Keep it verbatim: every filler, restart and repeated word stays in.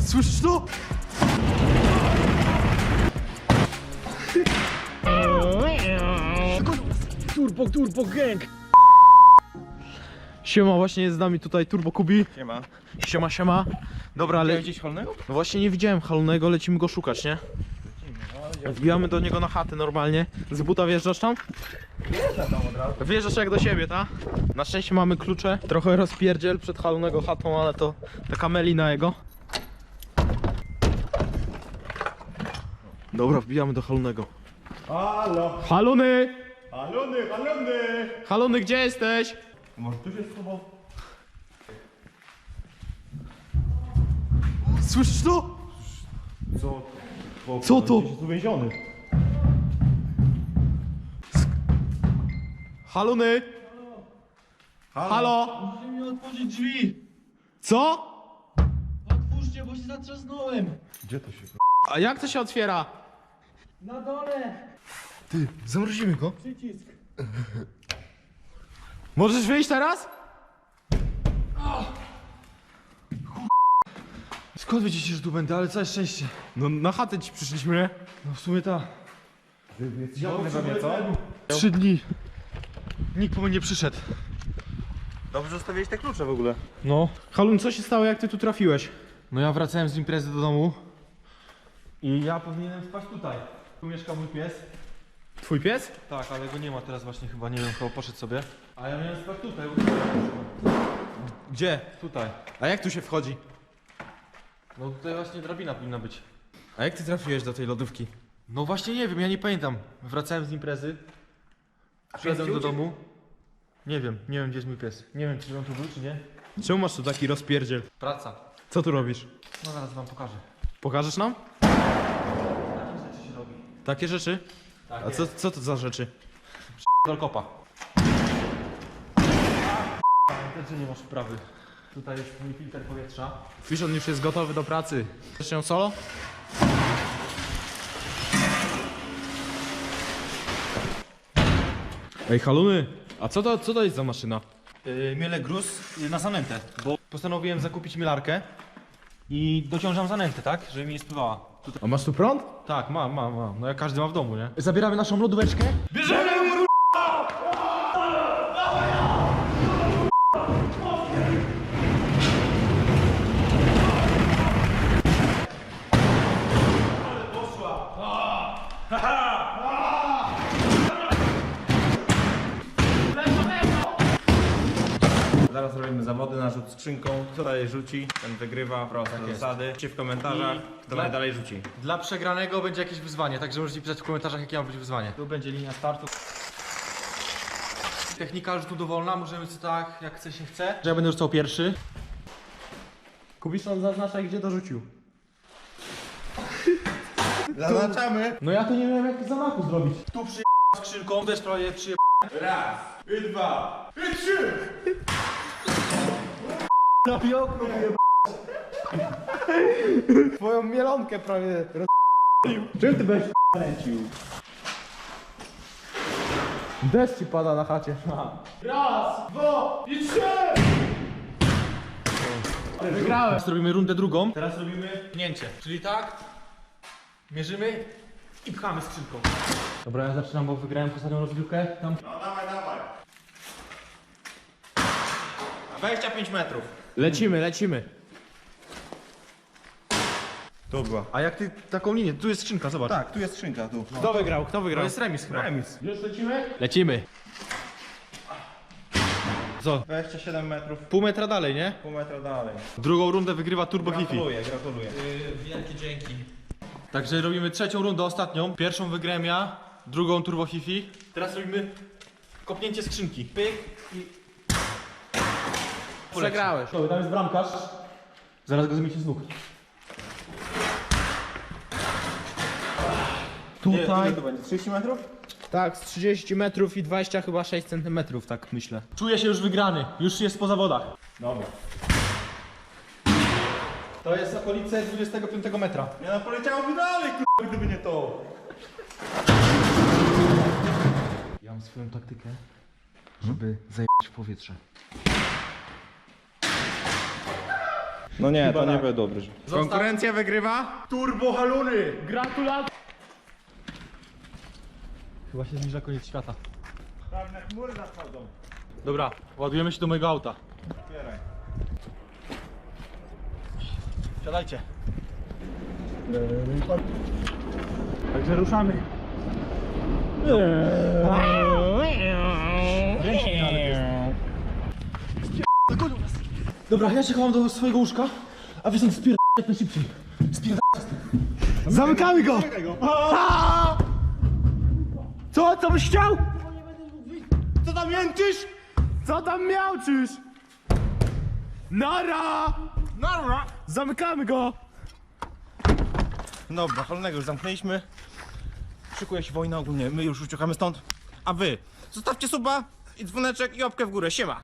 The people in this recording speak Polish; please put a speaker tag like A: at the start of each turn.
A: Słyszysz to? Turbo, turbo gang! Siema, właśnie jest z nami tutaj Turbo Kubi.
B: Siema.
A: Siema, siema. Dobra, ale...
B: gdzieś Halnego?
A: No właśnie nie widziałem Halonego, lecimy go szukać, nie? Wbijamy do niego na chatę normalnie. Z buta wjeżdżasz tam?
B: Wjeżdżam tam od razu.
A: Wjeżdżasz jak do siebie, ta? Na szczęście mamy klucze. Trochę rozpierdziel przed Halonego chatą, ale to taka melina jego. Dobra, wbijamy do Halonego.
B: Halo!
A: Halony!
B: Halony, halony!
A: Halony, gdzie jesteś?
B: Może tu się schował?
A: Słyszysz to?
B: Co? Bo,
A: Co to?
B: Jest uwięziony.
A: Halony! Halo?
C: Możecie mi otworzyć drzwi!
A: Co?
C: Otwórzcie, bo się zatrzasnąłem!
B: Gdzie to się...
A: A jak to się otwiera?
C: Na dole!
A: Ty, zamrozimy go.
C: Przycisk!
A: Możesz wyjść teraz? Skąd wiedziecie, że tu będę, ale całe szczęście. No na chatę ci przyszliśmy, nie? No w sumie ta.
B: Ja we mnie, co?
A: Trzy dni. Nikt po mnie nie przyszedł.
B: Dobrze zostawiłeś te klucze w ogóle.
A: No. Halun, co się stało, jak ty tu trafiłeś?
D: No ja wracałem z imprezy do domu i ja powinienem spać tutaj. Tu mieszka mój pies.
A: Twój pies?
D: Tak, ale go nie ma teraz właśnie chyba, nie wiem, chyba poszedł sobie. A ja miałem spać tutaj.
A: Gdzie?
D: Tutaj.
A: A jak tu się wchodzi?
D: No tutaj właśnie drabina powinna być.
A: A jak ty trafiłeś do tej lodówki?
D: No właśnie nie wiem, ja nie pamiętam. Wracałem z imprezy. Przyszedłem do domu. Nie wiem, nie wiem gdzie jest mój pies. Nie wiem czy on tu był czy nie.
A: Czemu masz tu taki rozpierdziel?
D: Praca.
A: Co tu robisz?
D: No zaraz wam pokażę.
A: Pokażesz nam?
D: Takie rzeczy się robi.
A: Takie rzeczy?
D: Tak
A: A co, co to za rzeczy?
D: Dolkopa. Pamiętaj, że nie masz wprawy. Tutaj jest mój filtr powietrza.
A: Fiszon już jest gotowy do pracy. Chcesz ją solo? Ej, Haluny, a co to, co to jest za maszyna?
D: Yy, mielę gruz yy, na zanętę, bo postanowiłem zakupić mielarkę i dociążam zanętę, tak? Żeby mi nie spływała. Tutaj...
A: A masz tu prąd?
D: Tak, mam, mam, mam. No jak każdy ma w domu, nie? Zabieramy naszą lodóweczkę.
B: Zaraz robimy zawody na rzut skrzynką. Kto dalej rzuci, ten wygrywa. Proste
D: Tak jest.
B: zasady. Piszcie w komentarzach, kto
D: dla-
B: dalej rzuci.
D: Dla przegranego będzie jakieś wyzwanie, także możecie pisać w komentarzach jakie ma być wyzwanie. Tu będzie linia startu. Technika rzutu dowolna, możemy sobie tak jak chce się chce. Że ja będę rzucał pierwszy.
A: Kubiszon zaznacza, gdzie dorzucił.
B: Zaznaczamy.
A: No ja tu nie wiem, jak zamachu zrobić.
D: Tu przy skrzynką też prawie przy.
B: Raz, i dwa, i trzy.
A: Na piokno Twoją mielonkę prawie roz... Czym ty będziesz lecił? Deszcz ci pada na chacie.
C: Raz, dwa i trzy!
A: Wygrałem.
D: Teraz robimy rundę drugą. Teraz robimy pchnięcie. Czyli tak, mierzymy i pchamy skrzynką. Dobra, ja zaczynam, bo wygrałem ostatnią rozgrywkę. Tam.
B: No dawaj, dawaj. dwadzieścia pięć metrów.
A: Lecimy, lecimy.
B: Tu była.
D: A jak ty taką linię, tu jest skrzynka, zobacz.
B: Tak, tu jest skrzynka, tu.
A: Kto wygrał? Kto
D: To
A: wygrał?
D: jest remis chyba.
B: Remis.
A: Już lecimy? Lecimy.
D: Co?
B: dwadzieścia siedem metrów,
D: Pół metra dalej, nie?
B: pół metra dalej.
D: Drugą rundę wygrywa Turbo Fifi.
B: Gratuluję, gratuluję.
D: Wielkie dzięki. Także robimy trzecią rundę, ostatnią. Pierwszą wygrałem ja, drugą Turbo Fifi. Teraz robimy kopnięcie skrzynki. Pyk i...
A: Przegrałeś.
D: Dobra, tam jest bramkarz. Zaraz go zmiecie z nóg.
B: Tutaj. Ile to będzie? trzydzieści metrów?
A: Tak, z trzydzieści metrów i dwadzieścia chyba sześć centymetrów, tak myślę.
D: Czuję się już wygrany, już jest po zawodach.
B: Dobra.
D: To jest okolice dwudziestego piątego metra.
B: Nie no, poleciałoby dalej, k***a, gdyby nie to.
D: Ja mam swoją taktykę, żeby zajebać w powietrze.
B: No nie,
D: Chyba
B: to nie
D: tak.
B: będzie dobry. Konkurencja wygrywa.
D: Turbo haluny! Gratulacje! Chyba się zbliża koniec świata.
B: Czarne chmury nadchodzą.
D: Dobra, ładujemy się do mojego auta.
B: Otwieraj.
D: Siadajcie. Także ruszamy. Dobra, ja się chowam do swojego łóżka, a wy stąd spier... jak najszybciej. Spier... Zamykamy go! Aaaa! Co? Co byś chciał? Co tam jęczysz? Co tam miałczysz? Nara! Nara! Zamykamy go!
B: Dobra, Halnego już zamknęliśmy. Szykuje się wojna ogólnie, my już uciekamy stąd. A wy zostawcie suba i dzwoneczek i łapkę w górę, siema!